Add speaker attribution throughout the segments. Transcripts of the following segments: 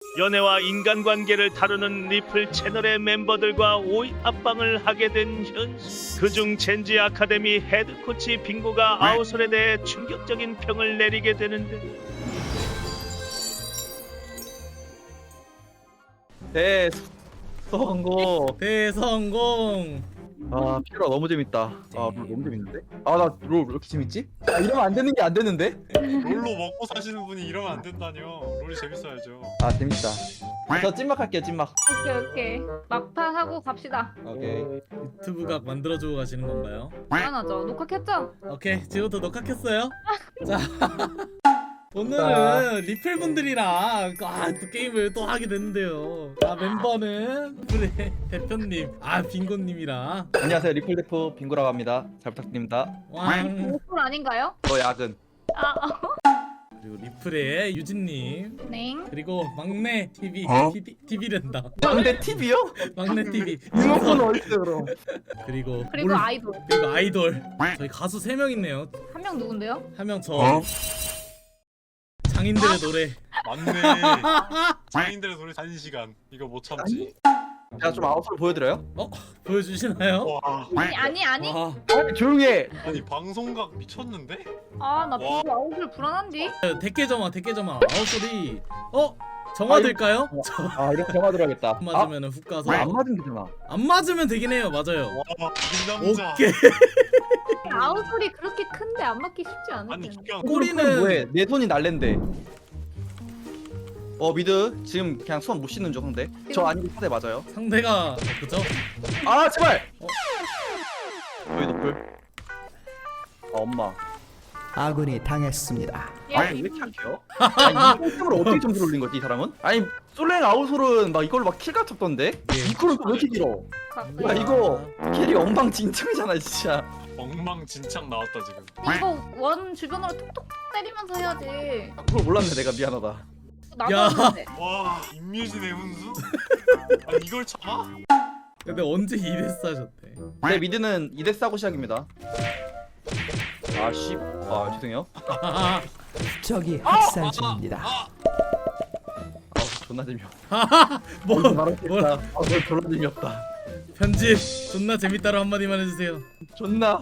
Speaker 1: 연애와 인간관계를 다루는 리플 채널의 멤버들과 오이 합방을 하게 된 현수. 그중 젠지 아카데미 헤드코치 빙고가 아우솔에 대해 충격적인 평을 내리게 되는데
Speaker 2: 성공.
Speaker 3: 대성공.
Speaker 2: 아 피라 너무 재밌다. 아 롤 너무 재밌는데? 아 나 롤 왜 이렇게 재밌지? 아 이러면 안 되는 게 안 되는데?
Speaker 4: 롤로 먹고 사시는 분이 이러면 안 된다뇨. 롤이 재밌어야죠.
Speaker 2: 아 재밌다. 저 찐막 할게요 찐막.
Speaker 5: 오케이. 막판 하고 갑시다.
Speaker 2: 오케이.
Speaker 3: 유튜브각 만들어주고 가시는 건가요?
Speaker 5: 당연하죠. 녹화 켰죠?
Speaker 3: 오케이, 지금부터 녹화 켰어요. 자, 오늘은 리플 분들이랑 또 게임을 또 하게 됐는데요. 멤버는 리플의 대표님, 빙고님이랑
Speaker 2: 안녕하세요 리플 대표 빙고라고 합니다. 잘 부탁드립니다.
Speaker 3: 왕,
Speaker 5: 오픈 아닌가요?
Speaker 2: 너 야근.
Speaker 3: 그리고 리플의 유진님,
Speaker 5: 네.
Speaker 3: 그리고 막내 TV, TV랜다.
Speaker 2: 근데 TV요?
Speaker 3: 막내 TV.
Speaker 2: 리모컨 어딨어 그럼?
Speaker 3: 그리고
Speaker 5: 그리고 아이돌.
Speaker 3: 그리고 아이돌. 저희 가수 3명 있네요.
Speaker 5: 한 명 누군데요?
Speaker 3: 한 명 저. 장인들의 노래.
Speaker 4: 맞네. 장인들의 노래 1시간. 이거 못 참지.
Speaker 2: 제가 좀 아웃을 보여드려요?
Speaker 3: 보여주시나요?
Speaker 4: 와.
Speaker 5: 아니.
Speaker 3: 와,
Speaker 2: 조용히 해.
Speaker 4: 아니 방송각 미쳤는데?
Speaker 5: 나
Speaker 4: 와.
Speaker 5: 비고 아웃을 불안한디?
Speaker 3: 대깨점아. 아웃소리. 정화될까요?
Speaker 2: 아 이렇게 정화 들어야겠다.
Speaker 3: 안 맞으면 훅 가서.
Speaker 2: 안 맞으면 되잖아.
Speaker 3: 안 맞으면 되긴 해요. 맞아요.
Speaker 4: 와, 이 남자.
Speaker 3: 오케이.
Speaker 5: 아웃솔이 그렇게 큰데 안 맞기 쉽지 않을
Speaker 4: 아니
Speaker 5: 텐데.
Speaker 4: 그냥
Speaker 3: 꼬리는
Speaker 2: 뭐해? 내 손이 날랜데. 미드 지금 그냥 손 못 씻는 중 상대. 저 아니고 상대 맞아요.
Speaker 3: 상대가 그죠?
Speaker 2: 아 제발. 여기 노플. 엄마.
Speaker 6: 아군이 당했습니다.
Speaker 2: 아니 왜 이렇게 약해요? 아니 이 템으로 어떻게 점수를 올린 거지 이 사람은? 아니 솔랭 아웃솔은 막 이걸로 막 킬각 쳤던데? 이거는 또 왜 이렇게 길어? 야 이거 캐리 엉망진창이잖아 진짜.
Speaker 4: 엉망진창 나왔다 지금.
Speaker 5: 이거 원 주변으로 톡톡 때리면서 해야지.
Speaker 2: 그걸 몰랐네 내가 미안하다.
Speaker 5: 나도
Speaker 3: 야.
Speaker 5: 하는데.
Speaker 4: 와 임유진의 훈수? 아니 이걸 참아?
Speaker 3: 근데 언제 2대 하셨대?
Speaker 2: 내 미드는 2대 싸고 시작입니다. 죄송해요.
Speaker 6: 적이 학살 중입니다.
Speaker 2: 존나 재미없다.
Speaker 3: 뭐
Speaker 2: 뭐라? 존나 재미없다.
Speaker 3: 편집 존나 재밌다로 한마디만 해주세요.
Speaker 2: 존나.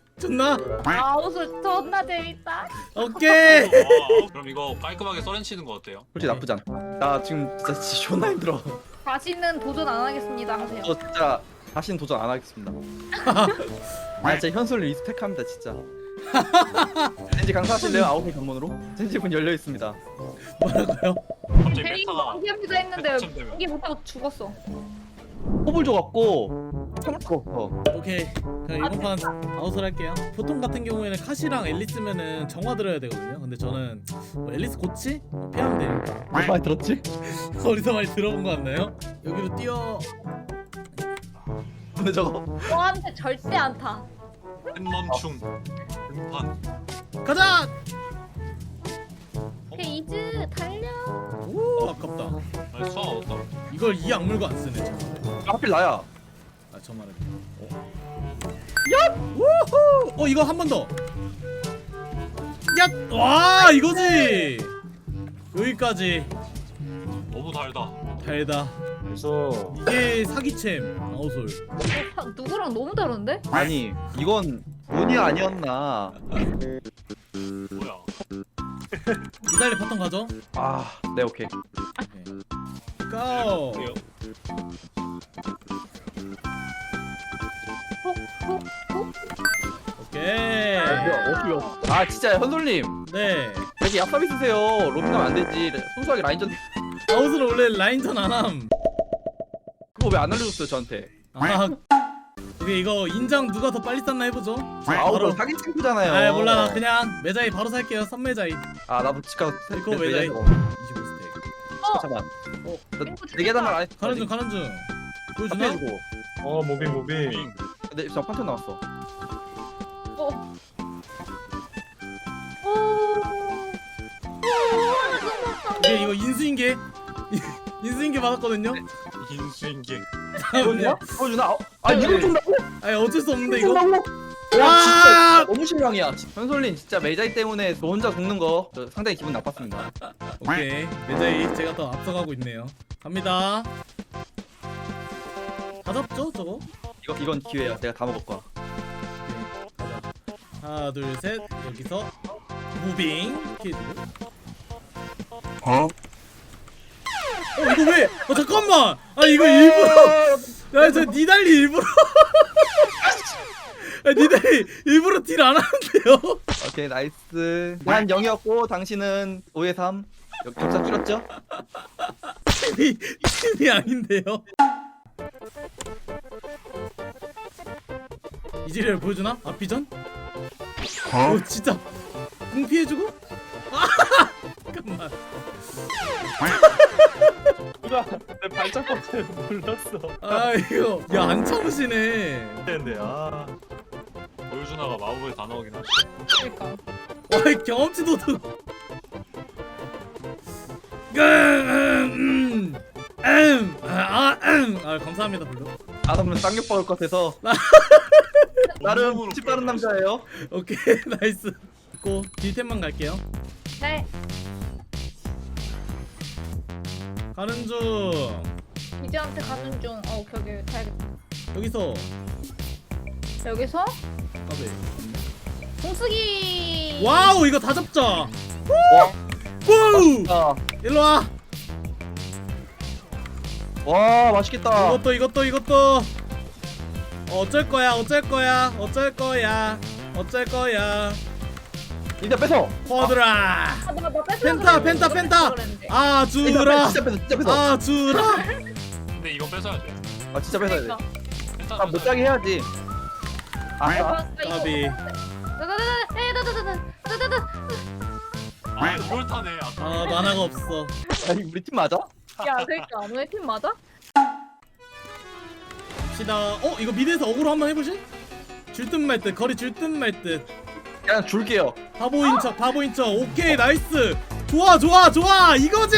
Speaker 5: 아웃솔 존나 재밌다.
Speaker 3: 오케이.
Speaker 4: 와, 그럼 이거 깔끔하게 썰렌 치는 거 어때요?
Speaker 2: 솔직히 나쁘지 않다. 나 지금 진짜 존나 힘들어.
Speaker 5: 다시는 도전 안 하겠습니다 하세요.
Speaker 2: 저 진짜 다시는 도전 안 하겠습니다. 진짜 현솔 리스펙합니다 진짜. 젠지 강사하실래요? 아웃의 관문으로? 젠지 문 열려 있습니다.
Speaker 3: 뭐라고요?
Speaker 4: 갑자기
Speaker 5: 대리
Speaker 4: 메타가
Speaker 5: 포기합니다 했는데
Speaker 4: 한참 되면.
Speaker 5: 포기 못하고 죽었어.
Speaker 2: 호불 줘갖고 참을 수가 없어.
Speaker 3: 오케이. 그럼 이번 판 아웃을 할게요. 보통 같은 경우에는 카시랑 앨리스면은 정화 들어야 되거든요. 근데 저는 앨리스 고치? 피하면 되니까.
Speaker 2: 몇 많이 들었지?
Speaker 3: 어디서 많이 들어본 거 같나요? 여기로 뛰어.
Speaker 2: 근데 저거
Speaker 5: 너한테 절대 안 타.
Speaker 4: 햇멈충 등판.
Speaker 3: 가자.
Speaker 5: 오케이 이즈 달려.
Speaker 3: 오, 아깝다.
Speaker 4: 아니 수학 얻었다.
Speaker 3: 이걸 이 악물고 안 쓰네. 저.
Speaker 2: 하필 나야.
Speaker 3: 저 말해. 야! 우후! 이거 한 번 더. 야! 와, 이거지. 여기까지.
Speaker 4: 너무 달다.
Speaker 3: 달다.
Speaker 2: 그래서
Speaker 3: 이게 사기챔 아웃솔.
Speaker 5: 누구랑 너무 다른데?
Speaker 2: 아니 이건 운이 아니었나.
Speaker 4: 뭐야?
Speaker 3: 이달리 바텀 가죠.
Speaker 2: 네 오케이.
Speaker 3: 고.
Speaker 4: 그래요?
Speaker 5: 톡톡톡.
Speaker 3: 오케이.
Speaker 2: 진짜 현솔님
Speaker 3: 네.
Speaker 2: 왜 이렇게 얍삽이 쓰세요. 로밍하면 안 되지. 순수하게 라인전
Speaker 3: 아웃솔 원래 라인전 안 함.
Speaker 2: 그거 왜 안 알려줬어요 저한테?
Speaker 3: 오케이, 이거 인장 누가 더 빨리 쌌나 해보죠.
Speaker 2: 아웃솔 사기 친구잖아요.
Speaker 3: 몰라, 나 그냥 매자이 바로 살게요. 선매자이.
Speaker 2: 나도 집 가서
Speaker 3: 이거 매자이. 25 스택.
Speaker 2: 잠깐.
Speaker 5: 땡구
Speaker 2: 네 계단 안
Speaker 3: 가는 중. 보여주나?
Speaker 2: 해주고.
Speaker 4: 무빙.
Speaker 2: 근데 저 판턴 나왔어.
Speaker 5: 어.
Speaker 3: 오케이, 이거 인수인계. 인수인계 받았거든요.
Speaker 4: 인수인계.
Speaker 2: 보여주나? 보여주나? 이걸 준다고?
Speaker 3: 아니 어쩔 수 없는데 이거.
Speaker 2: 준다고? 와 진짜 너무 실망이야. 현솔님 진짜 매자이 때문에 너 혼자 죽는 거 저 상당히 기분 나빴습니다.
Speaker 3: 오케이 매자이 제가 더 앞서가고 있네요. 갑니다. 다 잡죠 저거?
Speaker 2: 이건 기회야. 내가 다 먹을 거야.
Speaker 3: 오케이, 가자. 하나 둘 셋 여기서 무빙 이렇게 해주고. 이거 왜? 잠깐만. 아 이거 일부러. 야저 니달리 일부러. 야, 니달리 일부러 딜 안 하는데요?
Speaker 2: 오케이 나이스. 난 0이었고 당신은 5에 3. 여기 격차 줄였죠?
Speaker 3: 팀이 아닌데요? 이지리얼 보여주나? 앞비전? 오 진짜 공 피해주고? 아 잠깐만.
Speaker 1: 누나 내 발작 버튼 눌렀어.
Speaker 3: 아 이거 야 안 참으시네.
Speaker 1: 근데 아
Speaker 4: 보여주나가 마법에 다 나오긴 하지.
Speaker 5: 그러니까.
Speaker 3: 와 경험치도 더. 아 감사합니다 블루.
Speaker 2: 아담은 쌍욕 먹을 것 같아서 나름 집 빠른 남자예요.
Speaker 3: 오케이 나이스. 고 딜템만 갈게요.
Speaker 5: 네.
Speaker 3: 가는 중.
Speaker 5: 이제한테 가는 중. 오케이 오케이 가야겠다.
Speaker 3: 여기서
Speaker 5: 여기서
Speaker 3: 가베.
Speaker 5: 공쓰기.
Speaker 3: 와우 이거 다 잡자.
Speaker 2: 와.
Speaker 3: 우!
Speaker 2: 아,
Speaker 3: 일로 와.
Speaker 2: 와 맛있겠다.
Speaker 3: 이것도. 어쩔 거야.
Speaker 2: 이제 뺏어.
Speaker 3: 퍼드라.
Speaker 5: 나
Speaker 3: 펜타. 아 주라.
Speaker 2: 진짜 뺏어.
Speaker 3: 아 주라.
Speaker 4: 근데 이건 뺏어야 돼.
Speaker 2: 아 진짜 뺏어야 돼.
Speaker 4: 일단
Speaker 2: 아 못 자게 해야지. 아,
Speaker 3: 까비.
Speaker 4: 아 이걸 타네. 아까.
Speaker 3: 아 만화가 없어.
Speaker 2: 아니 우리 팀 맞아?
Speaker 5: 야 그러니까 너네 팀 맞아?
Speaker 3: 시다. 이거 미드에서 어그로 한번 해보실? 줄 듯 말 듯. 거리 줄 듯 말 듯.
Speaker 2: 그냥 줄게요.
Speaker 3: 바보인 척. 오케이 나이스. 좋아 이거지.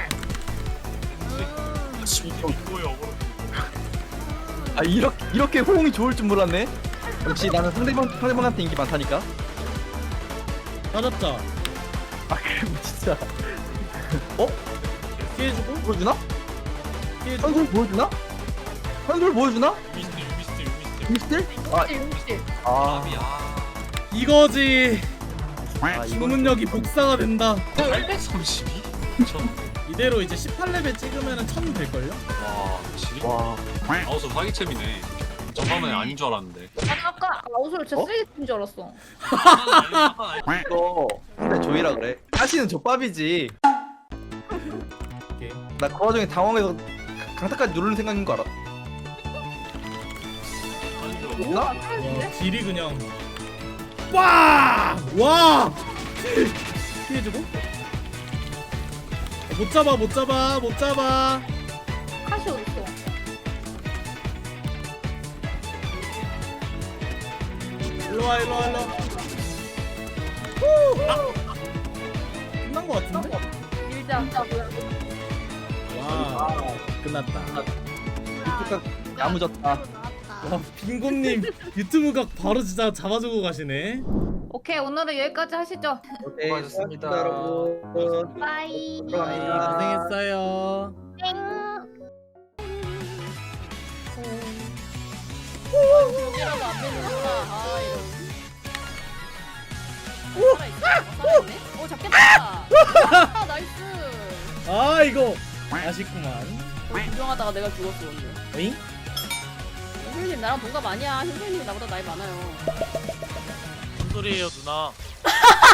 Speaker 4: 이거에 어그로.
Speaker 2: 아 이렇게 호응이 좋을 줄 몰랐네. 역시 나는 상대방한테 인기 많다니까.
Speaker 3: 다 잡자.
Speaker 2: 아 그럼 진짜.
Speaker 3: 피해주고.
Speaker 2: 보여주나?
Speaker 3: 피해주고.
Speaker 2: 현솔 보여주나? 현솔 보여주나?
Speaker 4: 유미스틸.
Speaker 2: 미스틸? 아,
Speaker 5: 용실.
Speaker 2: 아,
Speaker 3: 이거지.
Speaker 2: 아 이건
Speaker 3: 주문력이 복사가 된다.
Speaker 4: 832?
Speaker 3: 이대로 이제 18레벨 찍으면은 1000 될걸요?
Speaker 4: 와, 지.
Speaker 2: 와.
Speaker 4: 아우서 사기챔이네. 전반은 아닌 줄 알았는데.
Speaker 5: 아니 아까 아웃을 진짜
Speaker 2: 어?
Speaker 5: 쓰레기 팀인 줄 알았어.
Speaker 2: 이거 근데 조이라 그래. 사실은 족밥이지.
Speaker 3: 오케이.
Speaker 2: 나 그 와중에 당황해서 강타까지 누르는 생각인 거 알아?
Speaker 5: 우와
Speaker 3: 와
Speaker 5: 쓰레기인데?
Speaker 3: 딜이 그냥 와! 피해주고. 못 잡아.
Speaker 5: 카시 어딨어?
Speaker 3: 일로와. 끝난 거 같은데?
Speaker 5: 밀자.
Speaker 3: 와 끝났다.
Speaker 2: 이쪽가 야무졌다.
Speaker 3: 와 빙고님 유튜브 각 바로 진짜 잡아주고 가시네.
Speaker 5: 오케이 오늘은 여기까지 하시죠.
Speaker 2: 오케이,
Speaker 4: 수고하셨습니다.
Speaker 2: 여러분.
Speaker 5: 바이.
Speaker 3: 고생했어요.
Speaker 5: 여기라도 안 되는구나. 아 이런. 오 잡겠다. 아 나이스.
Speaker 3: 아 이거 아쉽구만.
Speaker 7: 구경하다가 내가 죽었어 오늘.
Speaker 3: 에잉?
Speaker 7: 흰솔님 나랑 동갑 아니야. 흰솔님이 나보다 나이 많아요.
Speaker 1: 무슨 소리예요 누나?